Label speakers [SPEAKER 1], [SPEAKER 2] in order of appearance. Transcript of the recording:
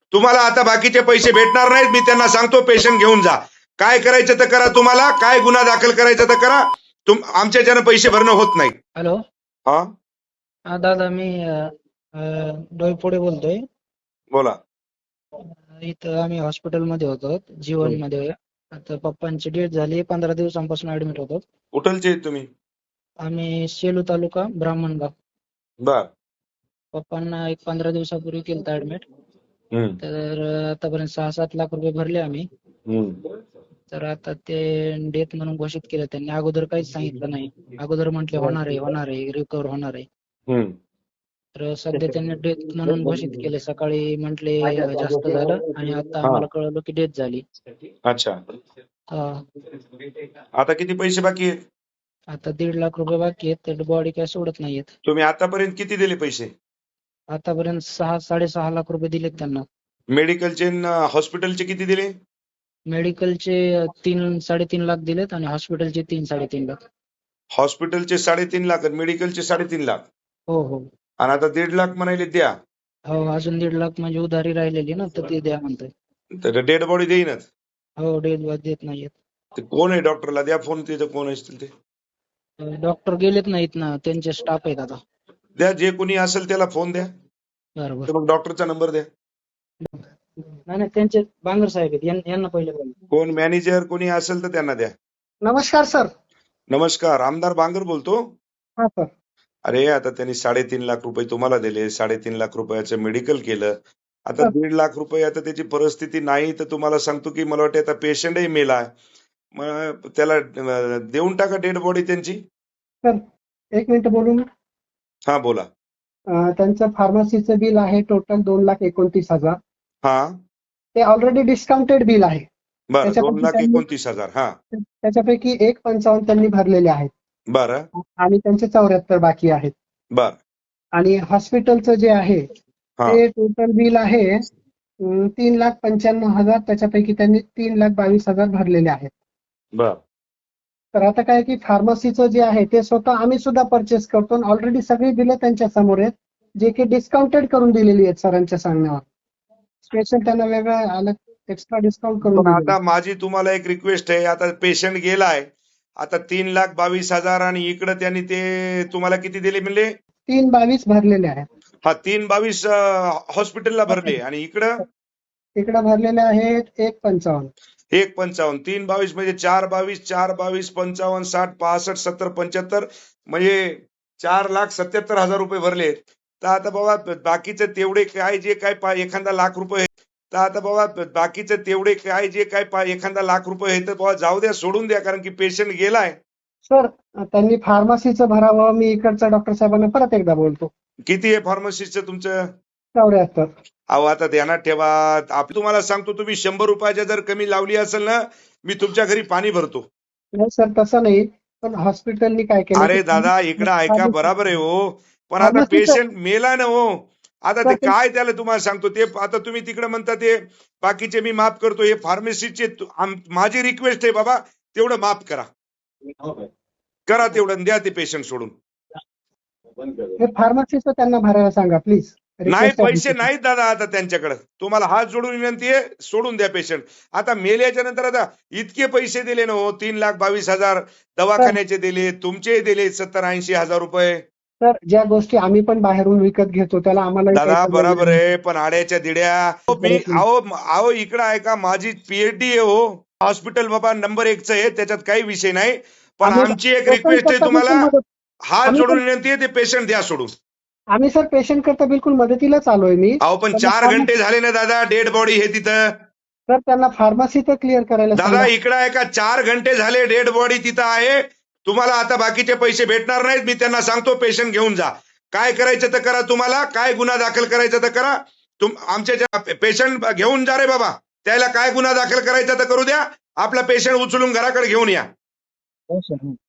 [SPEAKER 1] तुम्हाला आता बाकीचे पैसे भेटणार नाहीत, मी त्यांना सांगतो पेशंट घेऊन जा. काय करायचं तर करा, तुम्हाला काय गुन्हा दाखल करायचा तर करा, आमच्याच्यानं पैसे भरणं होत नाही.
[SPEAKER 2] हॅलो.
[SPEAKER 1] हा
[SPEAKER 2] हा दादा, मी डोईफोडे बोलतोय.
[SPEAKER 1] बोला.
[SPEAKER 2] इथं आम्ही हॉस्पिटलमध्ये होतो, जीवनमध्ये. आता पप्पांची डेथ झाली, 15 दिवसांपासून ऍडमिट होतो.
[SPEAKER 1] कुठलचे आहेत तुम्ही?
[SPEAKER 2] आम्ही सेलू तालुका, ब्राह्मणगाव.
[SPEAKER 1] बर.
[SPEAKER 2] पप्पांना एक 15 दिवसापूर्वी केलं ऍडमिट.
[SPEAKER 1] हम्म.
[SPEAKER 2] तर आतापर्यंत 6-7 लाख रुपये भरले आम्ही. तर आता ते डेथ म्हणून घोषित केलं त्यांनी. अगोदर काहीच सांगितलं नाही. अगोदर म्हटले होणार आहे, रिकव्हर होणार आहे.
[SPEAKER 1] हम्म.
[SPEAKER 2] तर सध्या त्यांनी डेथ म्हणून घोषित केले. सकाळी म्हटले जास्त झालं आणि आता
[SPEAKER 1] हा.
[SPEAKER 2] आम्हाला कळलं की डेथ झाली.
[SPEAKER 1] अच्छा.
[SPEAKER 2] हा.
[SPEAKER 1] आता किती पैसे बाकी आहेत?
[SPEAKER 2] आता 1.5 लाख रुपये बाकी आहेत. तर बॉडी काय सोडत नाहीयेत.
[SPEAKER 1] तुम्ही आतापर्यंत किती दिले पैसे?
[SPEAKER 2] आतापर्यंत 6-6.5 लाख रुपये दिलेत त्यांना.
[SPEAKER 1] मेडिकलचे हॉस्पिटलचे किती दिले?
[SPEAKER 2] मेडिकलचे 3-3.5 लाख दिलेत आणि हॉस्पिटलचे 3-3.5 लाख.
[SPEAKER 1] हॉस्पिटलचे 3.5 लाख आणि मेडिकलचे 3.5 लाख.
[SPEAKER 2] हो हो
[SPEAKER 1] आणि आता 1.5 लाख म्हणाले द्या.
[SPEAKER 2] हो. अजून 1.5 लाख म्हणजे उधारी राहिलेली ना, तर ते द्या म्हणतोय.
[SPEAKER 1] तर डेड बॉडी देईनच.
[SPEAKER 2] हो, डेथ देत नाहीयेत.
[SPEAKER 1] ते कोण आहे डॉक्टरला द्या फोन, तिथं कोण असतील ते
[SPEAKER 2] डॉक्टर गेलेत नाहीत ना, त्यांचे स्टाफ आहेत आता.
[SPEAKER 1] द्या. जे कोणी असेल त्याला फोन द्या.
[SPEAKER 2] बरोबर.
[SPEAKER 1] तर मग डॉक्टरचा नंबर द्या.
[SPEAKER 2] नाही, त्यांचे बांगर साहेब आहेत. यांना पहिले बोला.
[SPEAKER 1] कोण मॅनेजर कोणी असेल तर त्यांना द्या.
[SPEAKER 2] नमस्कार सर.
[SPEAKER 1] नमस्कार, आमदार बांगर बोलतो.
[SPEAKER 2] हा सर.
[SPEAKER 1] अरे आता त्यांनी 3.5 लाख रुपये तुम्हाला दिले, 3.5 लाख रुपयाचं मेडिकल केलं. आता
[SPEAKER 2] सर.
[SPEAKER 1] 1.5 लाख रुपये, आता त्याची परिस्थिती नाही तर तुम्हाला सांगतो की मला वाटतं आता पेशंटही मेला. मग त्याला देऊन टाका डेड बॉडी त्यांची.
[SPEAKER 2] सर, 1 मिनिट बोलून.
[SPEAKER 1] हा बोला.
[SPEAKER 2] त्यांचं फार्मसीचं बिल आहे टोटल 2,29,000.
[SPEAKER 1] हा
[SPEAKER 2] ते ऑलरेडी डिस्काउंटेड बिल आहे.
[SPEAKER 1] बरं,
[SPEAKER 2] त्याच्यापैकी
[SPEAKER 1] 2,29,000. हा
[SPEAKER 2] त्याच्यापैकी 1,55 त्यांनी भरलेले आहेत
[SPEAKER 1] बरं
[SPEAKER 2] आणि त्यांचे 74 बाकी आहेत.
[SPEAKER 1] बर.
[SPEAKER 2] आणि हॉस्पिटलचं जे आहे
[SPEAKER 1] हा
[SPEAKER 2] ते टोटल बिल आहे 3,95,000. त्याच्यापैकी त्यांनी 3,22,000 भरलेले आहेत.
[SPEAKER 1] बर.
[SPEAKER 2] तर आता काय की फार्मसीचं जे आहे ते स्वतः आम्ही सुद्धा परचेस करतो. ऑलरेडी सगळी बिलं त्यांच्या समोर आहेत, जे की डिस्काउंटेड करून दिलेली आहेत सरांच्या सांगण्यावर. स्पेशल त्यांना वेगळं अलग एक्स्ट्रा डिस्काउंट करून
[SPEAKER 1] पण
[SPEAKER 2] दिलेलं
[SPEAKER 1] आता माझी तुम्हाला एक रिक्वेस्ट आहे. आता पेशंट गेलाय, आता 3,22,000 आणि इकडं त्यांनी ते तुम्हाला किती दिले म्हणले?
[SPEAKER 2] 3,22 भरलेले आहेत.
[SPEAKER 1] हा 3,22 हॉस्पिटलला भरले आणि इकडं
[SPEAKER 2] तिकडे भरलेले आहेत 1,55.
[SPEAKER 1] 1,55. 3,22 म्हणजे 4,22, 4,22, 55, 60, 65, 70, 75 म्हणजे 4,77,000 रुपये भरले. तर आता बाबा बाकीचे तेवढे काय जे काय एखादा लाख रुपये, तर आता बाबा बाकीचे तेवढे काय जे काय एखादा लाख रुपये आहे तर बाबा जाऊ द्या, सोडून द्या, कारण की पेशंट गेलाय.
[SPEAKER 2] सर, त्यांनी फार्मसीचं भरावं. मी इकडच्या डॉक्टर साहेबांना परत एकदा बोलतो.
[SPEAKER 1] किती आहे फार्मसीचं तुमचं?
[SPEAKER 2] 74.
[SPEAKER 1] अहो आता ध्यानात ठेवा. तुम्हाला सांगतो, तुम्ही 100 रुपयाच्या जर कमी लावली असेल ना, मी तुमच्या घरी पाणी भरतो.
[SPEAKER 2] नाही सर, तसं नाही. पण हॉस्पिटलनी काय केलं?
[SPEAKER 1] अरे दादा इकडं ऐका, बराबर आहे हो, पण आता पेशंट मेला ना हो. आता ते काय त्याला तुम्हाला सांगतो ते, आता तुम्ही तिकडे म्हणता ते बाकीचे मी माफ करतो, हे फार्मसीचे माझी रिक्वेस्ट आहे बाबा, तेवढं माफ करा. करा तेवढं, द्या ते पेशंट सोडून.
[SPEAKER 2] फार्मसीचं त्यांना भरायला सांगा प्लीज.
[SPEAKER 1] नाही पैसे नाहीत दादा आता त्यांच्याकडे. तुम्हाला हात जोडून विनंती आहे, सोडून द्या पेशंट. आता मेल्याच्या नंतर आता इतके पैसे दिले ना हो, 3,22,000 दवाखान्याचे दिले, तुमचे दिले 70-80 हजार रुपये.
[SPEAKER 2] सर, ज्या गोष्टी आम्ही पण बाहेरून विकत घेतो त्याला आम्हाला
[SPEAKER 1] दादा बरोबर आहे, पण आड्याच्या दिड्या मी अहो इकडं ऐका, माझी पीएचडी आहे हो. हॉस्पिटल बाबा नंबर 1च आहे, त्याच्यात काही विषय नाही. पण आमची एक रिक्वेस्ट आहे तुम्हाला, हात जोडून विनंती आहे, ते पेशंट द्या सोडून.
[SPEAKER 2] आम्ही सर पेशंट करता बिलकुल मदतीलाच आलोय मी.
[SPEAKER 1] अहो पण 4 घंटे झाले ना दादा, डेड बॉडी हे तिथं.
[SPEAKER 2] सर, त्यांना फार्मसी तर क्लिअर करायला
[SPEAKER 1] दादा इकडं ऐका, 4 घंटे झाले डेड बॉडी तिथं आहे. तुम्हाला आता बाकीचे पैसे भेटणार नाहीत, मी त्यांना सांगतो पेशंट घेऊन जा. काय करायचं तर करा, तुम्हाला काय गुन्हा दाखल करायचा तर करा. आमच्या पेशंट घेऊन जा रे बाबा, त्याला काय गुन्हा दाखल करायचा तर करू द्या. आपला पेशंट उचलून घराकडे घेऊन या.
[SPEAKER 2] हो सर.